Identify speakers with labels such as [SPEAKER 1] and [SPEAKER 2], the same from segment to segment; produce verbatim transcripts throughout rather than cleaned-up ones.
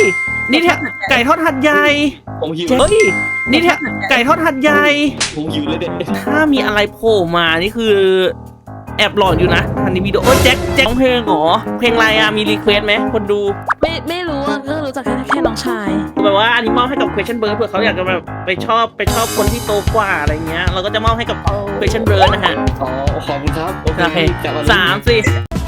[SPEAKER 1] นี่แท้ไก่ทอดหัดใหญ่
[SPEAKER 2] ผมหิว
[SPEAKER 1] เฮ้ยนี่แท้ไก่ทอดหัดใหญ่
[SPEAKER 2] ผมหิวเลยเด็ก
[SPEAKER 1] ถ้ามีอะไรโผล่มานี่คือแอบหลอนอยู่นะทันนี้วิดีโอโอ้ยแจ็คแจ็คร้องเพลงเหรอเพลงอะไรอะมีรีเควสไหมคนดู
[SPEAKER 3] ไม่ไม่รู้อ่ะก็รู้จักแค่แค่น้องชาย
[SPEAKER 1] แบบว่าอันนี้มอบให้กับ question bird เผื่อเขาอยากจะแบบไปชอบไปชอบคนที่โตกว่าอะไรเงี้ยเราก็จะมอบให้กับ question bird นะฮะ
[SPEAKER 2] อ๋อขอบคุณครับ
[SPEAKER 1] โอเค
[SPEAKER 2] จับอ
[SPEAKER 1] สามสี่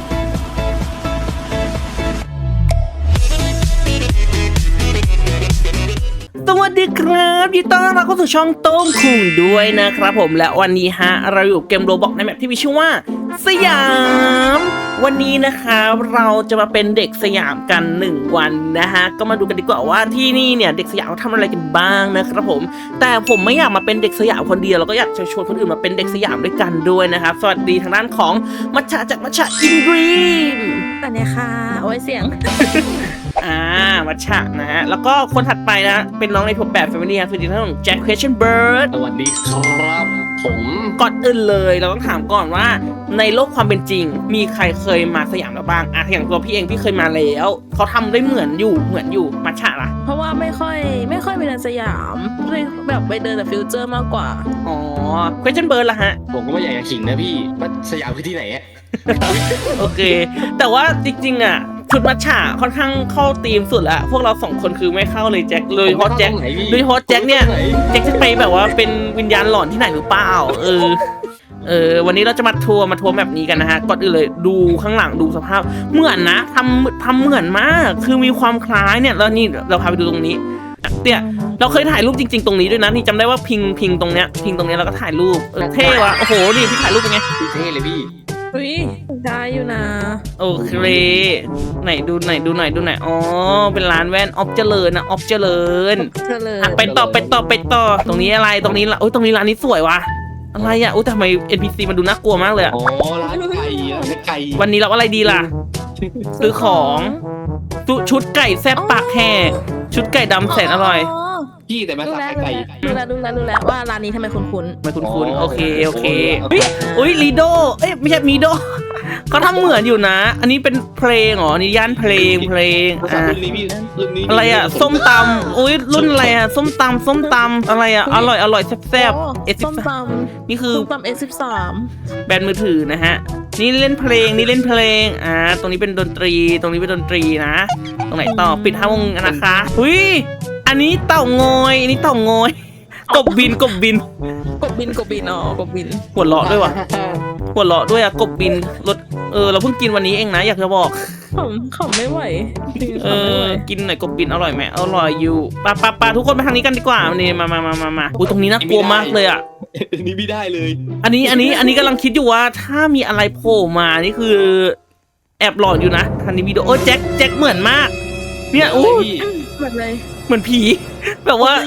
[SPEAKER 1] สวัสดีครับยินดีต้อนรับเข้าสู่ช่องโต้งคุงด้วยนะครับผมและวันนี้ฮะเราอยู่เกมโรบอกในแมปที่มีชื่อว่าสยามวันนี้นะคะเราจะมาเป็นเด็กสยามกันหนึ่งวันนะฮะก็มาดูกันดีกว่าว่าที่นี่เนี่ยเด็กสยามทำอะไรกันบ้างนะครับผมแต่ผมไม่อยากมาเป็นเด็กสยามคนเดียวเราก็อยากจะชวนคนอื่นมาเป็นเด็กสยามด้วยกันด้วยนะครับสวัสดีทางด้านของมัชชาจากมัชชาอินดรีม
[SPEAKER 3] แต่เนี่ยค่ะโอ้ยเสียง
[SPEAKER 1] อ่ามัชชะนะฮะแล้วก็คนถัดไปนะเป็นน้องในทัวร์แบบแฟมิลี่ครับคือที่ท่านของแจ็คเพชรเบิร์ด
[SPEAKER 2] สวัสดีครับผม
[SPEAKER 1] ก่อนอื่นเลยเราต้องถามก่อนว่าในโลกความเป็นจริงมีใครเคยมาสยามแล้วบ้างอ่ะอย่างตัวพี่เองพี่เคยมาแล้วเขาทำได้เหมือนอยู่เหมือนอยู่มัชชะล่ะ
[SPEAKER 3] เพราะว่าไม่ค่อยไม่ค่อยไปเดินสยามเลยแบบไปเดินแต่ฟิวเจอร์มากกว่า
[SPEAKER 1] อ๋อเพชรเบิร์ดล่ะฮะ
[SPEAKER 2] ผมก็ไม่อยากจะขิงนะพี่ว่าสยามคือที่ไหนอะ
[SPEAKER 1] โอเค แต่ว่าจริงๆอ่ะชุดมัชชะค่อนข้างเข้าธีมสุดละพวกเราสองคนคือไม่เข้าเลยแจ็คเลยเพราะแจ็คโดยเฉพาะแจ็คเนี่ยแจ็คจะไปแบบว่าเป็นวิญญาณหลอนที่ไหนหรือเปล่าเออเออวันนี้เราจะมาทัวร์มาทัวร์แบบนี้กันนะฮะก่อนอื่นเลยดูข้างหลังดูสภาพเหมือนนะทำทำเหมือนมากคือมีความคล้ายเนี่ยแล้วนี่เราพาไปดูตรงนี้เนี่ยเราเคยถ่ายรูปจริงๆตรงนี้ด้วยนะนี่จำได้ว่าพิงพิงตรงเนี้ยพิงตรงเนี้ยเราก็ถ่ายรูปเออเท่ว่ะโอ้โหนี่พี่ถ่ายรูปเป็นไง
[SPEAKER 2] เท่เลยพี่
[SPEAKER 3] อุ้ยได้อยู่นะ
[SPEAKER 1] โอเคไหนดูไหนดูไหนดูไหนอ๋อเป็นร้านแว่นออฟเจริญนะออฟเจริญ
[SPEAKER 3] เธอเลย
[SPEAKER 1] อ่ะไปต่อไปต่อไปต่อตรงนี้อะไรตรงนี้ละโอ้ยตรงนี้ร้านนี้สวยว่ะอะไรอ่ะอุ้ยทำไม เอ็น พี ซี มันดูน่ากลัวมากเลยอ่ะ
[SPEAKER 2] อ๋อร้านไก่ร้านไก่
[SPEAKER 1] วันนี้เราอะไรดีล่ะ ซื้อของชุชุดไก่แซ่บปากแห่ชุดไก่ดำแสนอร่อย
[SPEAKER 2] พี่แต่มา
[SPEAKER 3] ดู
[SPEAKER 2] สับ
[SPEAKER 3] แล้ว
[SPEAKER 2] ไก่
[SPEAKER 3] ดูแล้วดูแล้วดูแล้วว่าร้านนี้ทำไมคุ้น
[SPEAKER 1] ไม่คุ้นๆโอเคโอเค
[SPEAKER 2] โอ
[SPEAKER 1] อุ้ย
[SPEAKER 2] เค
[SPEAKER 1] อุ้ยลีโดเอ้ยไม่ใช่มีโด เขาทำเหมือนอยู่นะ อันนี้เป็นเพลงเหรอนี่ย่านเพลงเพลง
[SPEAKER 2] ภาษา
[SPEAKER 1] อ่ะ
[SPEAKER 2] รุ่นนี้พี่รุ่นนี้
[SPEAKER 1] อะไรอ่ะส้มตำอุ้ยรุ่นอะไรอ่ะส้มตำส้มตำอะไรอ่ะอร่อยอร่อยแซ่บๆเอส
[SPEAKER 3] ส้มต
[SPEAKER 1] นี่
[SPEAKER 3] ำ
[SPEAKER 1] คือ
[SPEAKER 3] ส้มตำเอสิบสาม
[SPEAKER 1] แบรนด์มือถือนะฮะนี่เล่นเพลงนี่เล่นเพลงอ่าตรงนี้เป็นดนตรีตรงนี้เป็นดนตรีนะตรงไหนต่อปิดห้าวงนะคะอุ้ยอันนี้เต่างอยอันนี้เต่างอยกบบินกบบิน
[SPEAKER 3] กบบินกบบินอ๋อกบบิน
[SPEAKER 1] หัวเราะด้วยว่ะหัวเราะด้วยอ่ะกบบินรสเออเราเพิ่งกินวันนี้เองนะอยากจะบอก
[SPEAKER 3] ขำขำไม่ไหวจริงๆ
[SPEAKER 1] เอ
[SPEAKER 3] ขำไม่
[SPEAKER 1] อ
[SPEAKER 3] ไหว
[SPEAKER 1] กินหน่อยกบบินอร่อยไหมอร่อยอยู่ปะปะปะทุกคนไปทางนี้กันดีกว่านี่มามามามามาอุ้ยตรงนี้น่ากลัวมากเลยอ่ะ
[SPEAKER 2] นี่ไม่ได้เลย
[SPEAKER 1] อันนี้อันนี้อันนี้กำลังคิดอยู่ว่าถ้ามีอะไรโผล่มานี่คือแอบหลอนอยู่นะทันนี้วิดีโอโอ้ยแจ็คแจ็คเหมือนมาก เนี่ยอู้
[SPEAKER 2] พี่
[SPEAKER 3] แบบเลย
[SPEAKER 1] เหมือนผี แบบว่า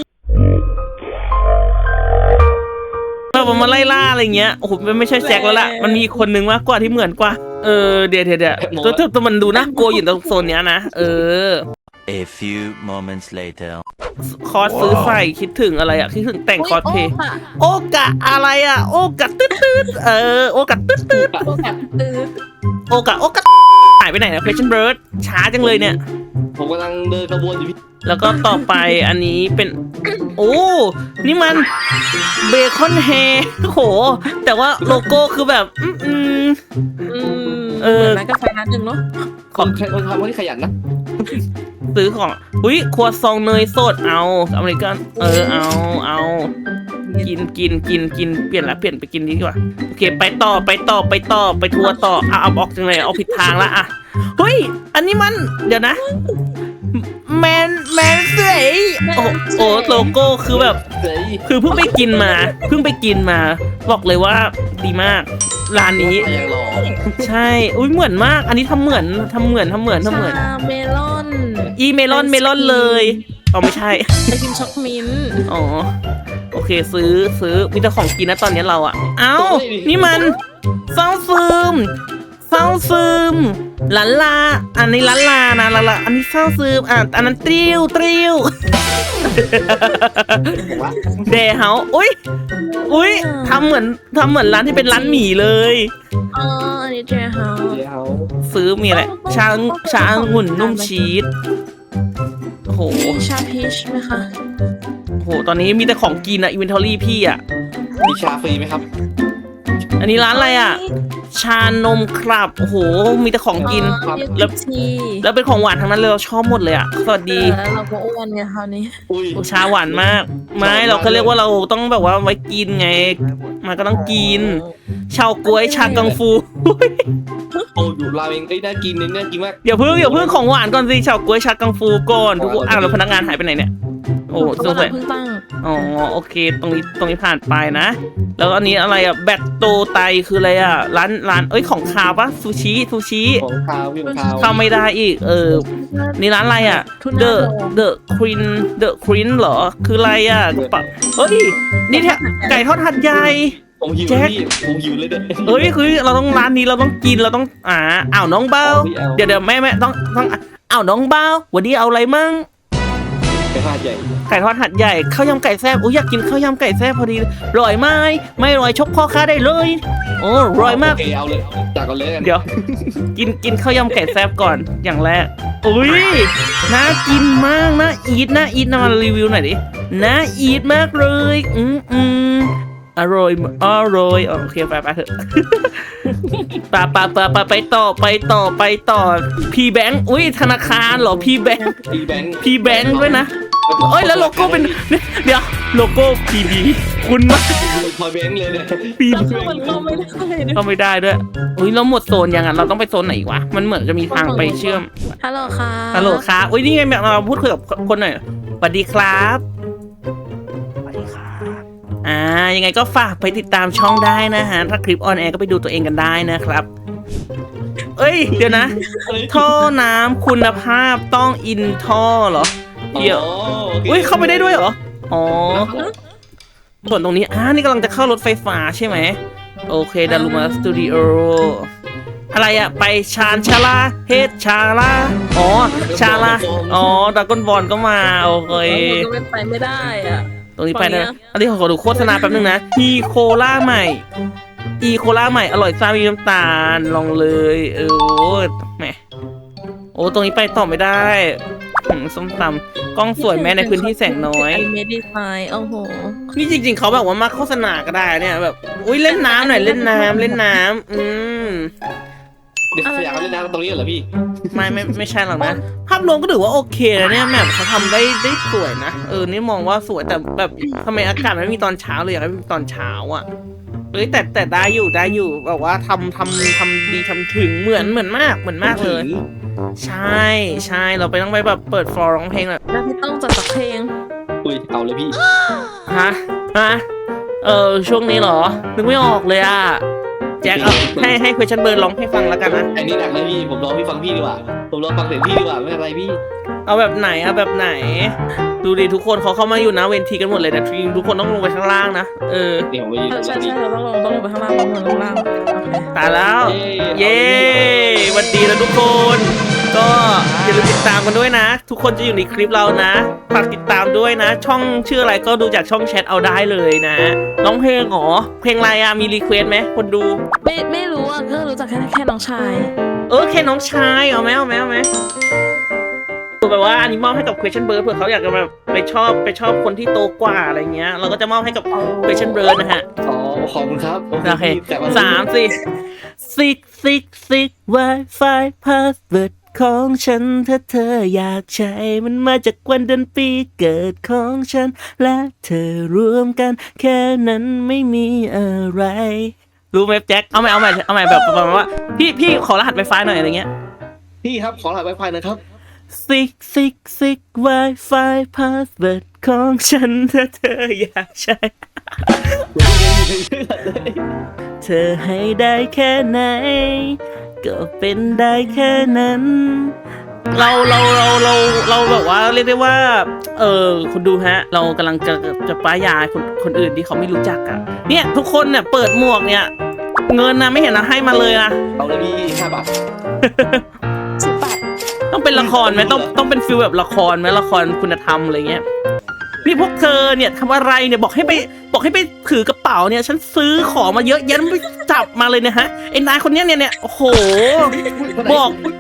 [SPEAKER 1] แบบว่ามาไล่ล่าอะไรเงี้ยโอ้โหมันไม่ใช่แจ็คแล้วล่ะมันมีอีกคนนึงมากกว่าที่เหมือนกว่าเออเดี๋ยวเดี๋ยวเดี๋ยวตัวตัวตัวมันดูน่ากลัวอยู่ตรงโซนเนี้ยนะเออ
[SPEAKER 4] A few moments later.
[SPEAKER 1] คอร์สซื้อใส่คิดถึงอะไรอ่ะคิดถึงแต่งคอร์สเพลย์
[SPEAKER 3] โอ้ค่ะ
[SPEAKER 1] โอกะอะไรอ่ะโอกะตืดตืดเออโอกะตืดตืด
[SPEAKER 3] โอกาสตื้อ
[SPEAKER 1] โอกะโอกะหายไปไหนนะเพชรเบิร์ดช้าจังเลยเนี่ย
[SPEAKER 2] ผมกำลังเดินขบวนอยู่พี่
[SPEAKER 1] แล้วก็ต่อไปอันนี้เป็น โอ้นี่มันเบคอนแฮร์โอ้โห แต่ว่าโลโก้คือแบบ อืมอืม
[SPEAKER 3] อืม
[SPEAKER 1] เออ
[SPEAKER 3] เหมือนร้านกาแฟร้านหนึ่งเนาะ
[SPEAKER 2] คนคนทำคนที่ขยันนะ
[SPEAKER 1] ซื้อของอุ้ยครัวซองเนยสดเอาอเมริกันเออเอาเอากินกินกินกินเปลี่ยนละเปลี่ยนไปกินดีกว่าโอเคไปต่อไปต่อไปต่อไปทัวร์ต่อเอาเอาออกจังเลยเอาผิดทางละอะเฮ้ยอันนี้มันเดี๋ยวนะแมนแมนเสยโอ้โอ้โลโก้คือแบบ
[SPEAKER 2] เฮ้ย
[SPEAKER 1] คือเพิ่งไปกินมาเพิ่งไปกินมาบอกเลยว่าดีมากร้านนี้
[SPEAKER 2] ยังหล่อ
[SPEAKER 1] ใช่อุ้ยเหมือนมาก อันนี้ทำเหมือนทำเหมือนทำเหมือนทำเหมือน
[SPEAKER 3] ชาเมลอน
[SPEAKER 1] อีเมลอนเมลอนเลยอ๋อไม่ใช่
[SPEAKER 3] ไอติมช็อกมิ้นท์
[SPEAKER 1] อ๋อโอเคซื้อซื้อมีแต่ของกินนะตอนนี้เราอะเอ้านี่มันเศร้าซึมเศร้าซึมลาลาอันนี้ลาลานะลาลาอันนี้เศร้าซึมอ่ะอันนั้นตริวตริว
[SPEAKER 2] ผมว่า
[SPEAKER 1] เดเฮาอุ้ยอุ้ยทำเหมือนทำเหมือนร้านที่เป็นร้านหมี่เลย
[SPEAKER 3] อ๋ออันนี้เจเฮา
[SPEAKER 2] เดี๋ยว
[SPEAKER 1] ซื้อมีอะไรชาชาองุ่นนุ่มชีสโอ
[SPEAKER 3] มีชาพีชไหมคะ
[SPEAKER 1] โอ้โหตอนนี้มีแต่ของกินอะอินเวนทอรี่พี่อะ
[SPEAKER 2] มีชาฟรีไหมครับ
[SPEAKER 1] อันนี้ร้านอะไรอะชานมครับโอ้โหมีแต่ของกิน
[SPEAKER 3] ครับ
[SPEAKER 1] แล้ว
[SPEAKER 3] ที
[SPEAKER 1] แล้วเป็นของหวานทั้งนั้นเลยเราชอบหมดเลยอะสวัสดี
[SPEAKER 3] แล้วเราก็อ้วนไงคราวนี้
[SPEAKER 2] อุ้ย
[SPEAKER 1] โอ้ชาหวานมาก ไม่เราก็เรียกว่าเราต้องแบบว่าไว้กินไง มันก็ต้องกินชาวกล้วยชากังฟู
[SPEAKER 2] โอ้อยู่ราเมงเอ้ยน่ากินเนี่ยน่ากินมาก
[SPEAKER 1] อย่าเพิ่งอย่าเพิ่งของหวานก่อนสิชาวกล้วยชากังฟูก่อนทุกคนอ้าวแล้วพนักงานหายไปไหนเนี่ยโอ้สงสัย
[SPEAKER 3] เพิ่งตั้ง
[SPEAKER 1] อ๋อโอเค ตรงนี้ตรงนี้ผ่านไปนะ แล้วอันนี้อะไรอะแบตโตไตคืออะไรอะร้านร้านเอ้ยของคาวปะซูชิซูชิ
[SPEAKER 2] ของคาวพี่ของคาว
[SPEAKER 1] เข้าไม่ได้อีก เออ นี่ร้านอะไรอะ
[SPEAKER 3] ทุน
[SPEAKER 1] The The Queen The Queen เหรอ คืออะไรอะกระเป๋าเฮ้ย นี่แท้ไก่ทอดหัดใหญ่
[SPEAKER 2] ผมหิว
[SPEAKER 1] แจ็ค
[SPEAKER 2] พี่ผมหิวเลยเด้อ
[SPEAKER 1] เอ้ยคือเราต้องร้านนี้เราต้องกินเราต้องอ่าอ้าวน้องเบา
[SPEAKER 2] เอาพี่เอา
[SPEAKER 1] เดี๋ยวเดี๋ยวแม่แม่ต้องต้องอ้าวน้องเบาวันนี้เอาอะไรมั่ง
[SPEAKER 2] ไปพาดใหญ่
[SPEAKER 1] ไก่ทอดหัดใหญ่ข้าวยำไก่แซ่บอุ้ยอยากกินข้าวยำไก่แซ่บพอดีอร่อยไหมไม่อร่อยชกพ่อค้าได้เลยโอ้อร่อยมาก
[SPEAKER 2] โอเคเอาเลยจากก่อนเลยกัน
[SPEAKER 1] เดี๋ยว กินกินข้าวยำไก่แซ่บก่อนอย่างแรกอุ้ยน่ากินมากน่าอีทน่าอีทนะมารีวิวหน่อยดิน่าอีทมากเลยอืมอืมอร่อยอร่อยโอเคไปไปเถอะ ปะปะปะปะไปต่อไปต่อไปต่อพีแบงค์อุ้ยธนาคารเหรอพีแบงค์
[SPEAKER 2] พีแบงค์
[SPEAKER 1] พีแบงค์ด้วยนะเอ้ยแล้วโลโก้เป็นเดี๋ยวโลโก้พีบีคุณมาก
[SPEAKER 2] พอแบงค์เลยเนี่ย
[SPEAKER 1] พี
[SPEAKER 3] แล้วคือมันก็ไม่ได้ด้วย
[SPEAKER 1] ก็ไม่ได้ด้วยอุ้ยเราหมดโซนยังอ่ะเราต้องไปโซนไหนอีกวะมันเหมือนจะมีทางไปเชื่อม
[SPEAKER 3] ฮัลโหลค่ะ
[SPEAKER 1] ฮัลโหลครับอุ้ยนี่ไงเราพูดคุยกับคนหน่อยสวัสดีครับสวัสดีครับอ่ายังไงก็ฝากไปติดตามช่องได้นะฮะถ้าคลิปออนแอร์ก็ไปดูตัวเองกันได้นะครับ เอ้ยเดี๋ยวนะ ท่อน้ำคุณภาพต้องอินท่อเหรอเดี๋ยว
[SPEAKER 2] อ๋อโค
[SPEAKER 1] อุ้ยเข้าไปได้ด้วยเหรออ๋อส่วนตรงนี้อ่านี่กำลังจะเข้ารถไฟฟ้าใช่ไหมโอเคดารุมาสตูดิโออะไรอะไปชานชาลาเฮดชาลาอ๋อชาลาอ๋อดากอนบอลก็มาโอเค
[SPEAKER 3] มันก็เป็นไปไม่ได้อ่ะ
[SPEAKER 1] ตรงนี้ไปนะ
[SPEAKER 3] ฝั่งเนี้ย
[SPEAKER 1] อันนี้ขอดูโฆษณาแป๊บนึงนะอีโคล่าใหม่อีโคล่าใหม่อร่อยซ่ามีน้ำตาลลองเลยเออโอ้แหมโอ้ตรงนี้ไปต่อไม่ได้หืมส้มตำกล้องสวยแม้ในพื้นที่แสงน้อย
[SPEAKER 3] ไอเมดิไซน์โอ้โห
[SPEAKER 1] นี่จริงๆเขาแบบว่ามาโฆษณาก็ได้เนี่ยแบบอุ้ยเล่นน้ำหน่อยเล่นน้ำเล่นน้ำอืม
[SPEAKER 2] เดี๋ยวสยามเล่นน้ำตรงนี้เหรอพี่
[SPEAKER 1] ไม่ไม่ไม่ใช่หรอกนะภาพรวมก็ถือว่าโอเคนะเนี่ยแบบเขาทำได้ได้สวยนะเออนี่มองว่าสวยแต่แบบทำไมอากาศไม่มีตอนเช้าเลยอยากให้มีตอนเช้าอ่ะเอ้ยแต่แต่ได้อยู่ได้อยู่แบบว่าทำทำทำดีทำถึงเหมือนเหมือนมากเหมือนมากเลย ใช่ใช่เราไปต้องไปแบบเปิดฟลอร์ร้องเพลงแบบ
[SPEAKER 3] แล้วพี่ต้องจัดสักเพลง
[SPEAKER 2] อุ้ยเอาเลยพี่
[SPEAKER 1] ฮะฮะเออช่วงนี้เหรอนึกไม่ออกเลยอ่ะแจ็คเอาให้ให้ question bird ร้องให้ฟังแล้วกันนะ
[SPEAKER 2] อันนี้หนักเลยพี่ผมรอพี่ฟังพี่ดีกว่าผมรอฟังเสียงพี่ดีกว่าไม่เป็นไรพี่
[SPEAKER 1] เอาแบบไหนเอาแบบไหน ดูดิทุกคนเขาเข้ามาอยู่นะเวทีกันหมดเลยนะทีมทุกคนต้องลงไปข้างล่างนะเออ
[SPEAKER 2] เดี๋ยวผมไปยืน
[SPEAKER 3] เออ
[SPEAKER 2] ตร
[SPEAKER 3] ใช่
[SPEAKER 2] งนี้
[SPEAKER 3] ใช่เราต้องลงต้องลงไปข้างล่างต้องลงไปข้างล่างโอเค
[SPEAKER 1] ตายแล้ว
[SPEAKER 2] เย้
[SPEAKER 1] เย้สวัสดีนะทุกคน ก็อย่าลืมติดตามกันด้วยนะ ทุกคนจะอยู่ในคลิปเรานะฝากติดตามด้วยนะ ช่องชื่ออะไรก็ดูจากช่องแชทเอาได้เลยนะร้องเพลงเหรอเพลงอะไรอะมีรีเควสไหมคนดู
[SPEAKER 3] ไม่ไม่รู้อ่ะก็รู้จักแค่แค่น้องชาย
[SPEAKER 1] เออแค่น้องชายเอาไหมเอาไหมเอาไหมแบบว่าอันนี้มอบให้กับ question bird เผื่อเขาอยากจะแบบไปชอบไปชอบคนที่โตกว่าอะไรเงี้ย เราก็จะมอบให้กับ question bird นะฮะ
[SPEAKER 2] อ๋อขอบคุณครับ
[SPEAKER 1] โอเค
[SPEAKER 2] แต่ว่
[SPEAKER 1] สามสี่ซิกซิกซิก Wi-Fi password ของฉันถ้าเธออยากใช้มันมาจากวันเดือนปีเกิดของฉัน และเธอรวมกัน แค่นั้นไม่มีอะไร รู้ไหมแจ็คเอาใหม่เอาใหม่เอาใหม่แบบประมาณว่าพี่พี่ขอรหัส Wi-Fi หน่อยอะไรเงี้ย
[SPEAKER 2] พี่ครับขอรหัสไวไฟหนะครับ
[SPEAKER 1] ซิกซิกซิก Wi-Fi password ของฉันถ้าเธออยากใช้ เธอให้ได้แค่ไหน ก็เป็นได้แค่นั้น เราเราเราเราเราแบบว่าเรียกได้ว่า เออคุณดูฮะ เรากำลังจะจะป้ายยาคนคนอื่นที่เขาไม่รู้จักอะเนี่ยทุกคนเนี่ยเปิดหมวกเนี่ย เงินนะไม่เห็นนะให้มาเลยนะ
[SPEAKER 2] เอาเลยพี่ห้าบาท
[SPEAKER 3] สิบบาท
[SPEAKER 1] ต้องเป็นละครไหมต้องต้องเป็นฟิลแบบละครไหมละครคุณธรรมอะไรเงี้ยนี่พวกเธอเนี่ยทำอะไรเนี่ยบอกให้ไปบอกให้ไปถือกระเป๋าเนี่ยฉันซื้อของมาเยอะแยะไม่จับมาเลยเนี่ยฮะไอ้นายคนเนี้ยเนี่ยเนี่ยโอ้โหบอก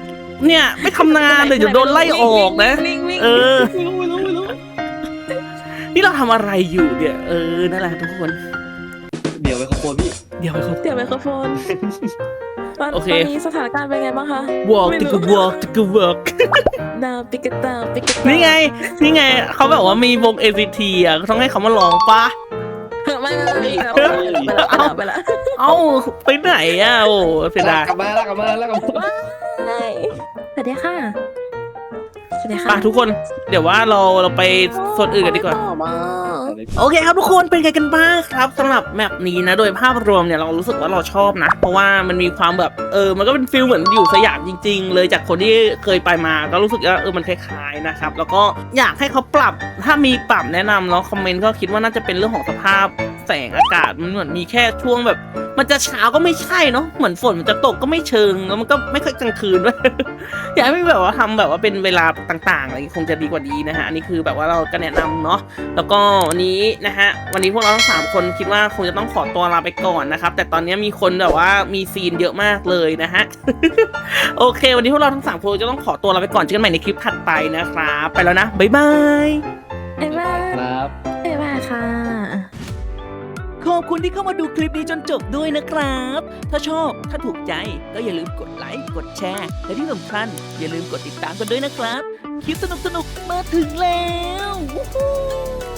[SPEAKER 1] เนี่ยไม่ทำงานเลยเดี๋ยวโดนไล่ออกนะ
[SPEAKER 3] วิ่งวิ่ง
[SPEAKER 1] เออ
[SPEAKER 2] ไม่รู้ไม่รู้ไม่รู้
[SPEAKER 1] นี่เราทำอะไรอยู่เนี่ยเออนั่นแหละทุกคน
[SPEAKER 2] เดี๋ยวไปขโมยพี่
[SPEAKER 1] เดี๋ยวไปเขา
[SPEAKER 3] เดี๋ยวไมโครโฟนตอน
[SPEAKER 1] โอเค
[SPEAKER 3] ตอนนี้สถานการณ์เป็นไงบ้างคะ
[SPEAKER 1] walk
[SPEAKER 3] ไม่
[SPEAKER 1] ติ
[SPEAKER 3] รู้
[SPEAKER 1] ก walk ติก walk
[SPEAKER 3] ดาวปิกตาปิกตา
[SPEAKER 1] นี่ไงนี่ไงเขาแบบว่ามีวง เอ ซี ที อ่ะต้องให้เขามาร้องปะ
[SPEAKER 3] ไม่ไม่ไม่ไปแล้วไปแล้วไปแล้ว
[SPEAKER 1] เอ้าไปไหนอ่ะโอ้เสียดาย
[SPEAKER 2] กลับมาแล้วกลับมาแล้วกลับมา
[SPEAKER 3] สวัสดีค่ะสวัสดีค่ะ
[SPEAKER 1] ป่ะทุกคนเดี๋ยวว่าเราเราไปโซนอื่นกันดีกว่า
[SPEAKER 3] ต่อมา
[SPEAKER 1] โอเคครับทุกคนเป็นไงกันบ้างครับสำหรับแมปนี้นะโดยภาพรวมเนี่ยเรารู้สึกว่าเราชอบนะ เพราะว่ามันมีความแบบเออมันก็เป็นฟิลเหมือนอยู่สยามจริง ๆ เลยจากคนที่เคยไปมาก็รู้สึกว่าเออมันคล้ายๆนะครับแล้วก็อยากให้เขาปรับถ้ามีปรับแนะนำเนาะคอมเมนต์ก็คิดว่าน่าจะเป็นเรื่องของสภาพแสงอากาศมันเหมือนมีแค่ช่วงแบบ มันจะเช้าก็ไม่ใช่เนาะเหมือนฝนมันจะตกก็ไม่เชิงแล้วมันก็ไม่ค่อยกลางคืนด้วย อยากให้แบบว่าทำแบบว่าเป็นเวลาต่างๆอะไรคงจะดีกว่านี้นะฮะอันนี้คือแบบว่าเราก็แนะนำเนาะแล้วก็วันนี้นะฮะวันนี้พวกเราทั้งสามคนคิดว่าคงจะต้องขอตัวลาไปก่อนนะครับแต่ตอนนี้มีคนแบบว่ามีซีนเยอะมากเลยนะฮะ โอเค วันนี้พวกเราทั้งสามคนจะต้องขอตัวลาไปก่อนเจอกันใหม่ในคลิปถัดไปนะครับไปแล้วนะบ๊ายบาย
[SPEAKER 3] บ๊ายบาย
[SPEAKER 2] ครับ
[SPEAKER 3] บ๊ายบายค่ะ
[SPEAKER 1] ขอบคุณที่เข้ามาดูคลิปนี้จนจบด้วยนะครับ ถ้าชอบ ถ้าถูกใจ ก็อย่าลืมกดไลค์ กดแชร์ และที่สำคัญอย่าลืมกดติดตามกันด้วยนะครับ คลิปสนุกๆ มาถึงแล้ว Woohoo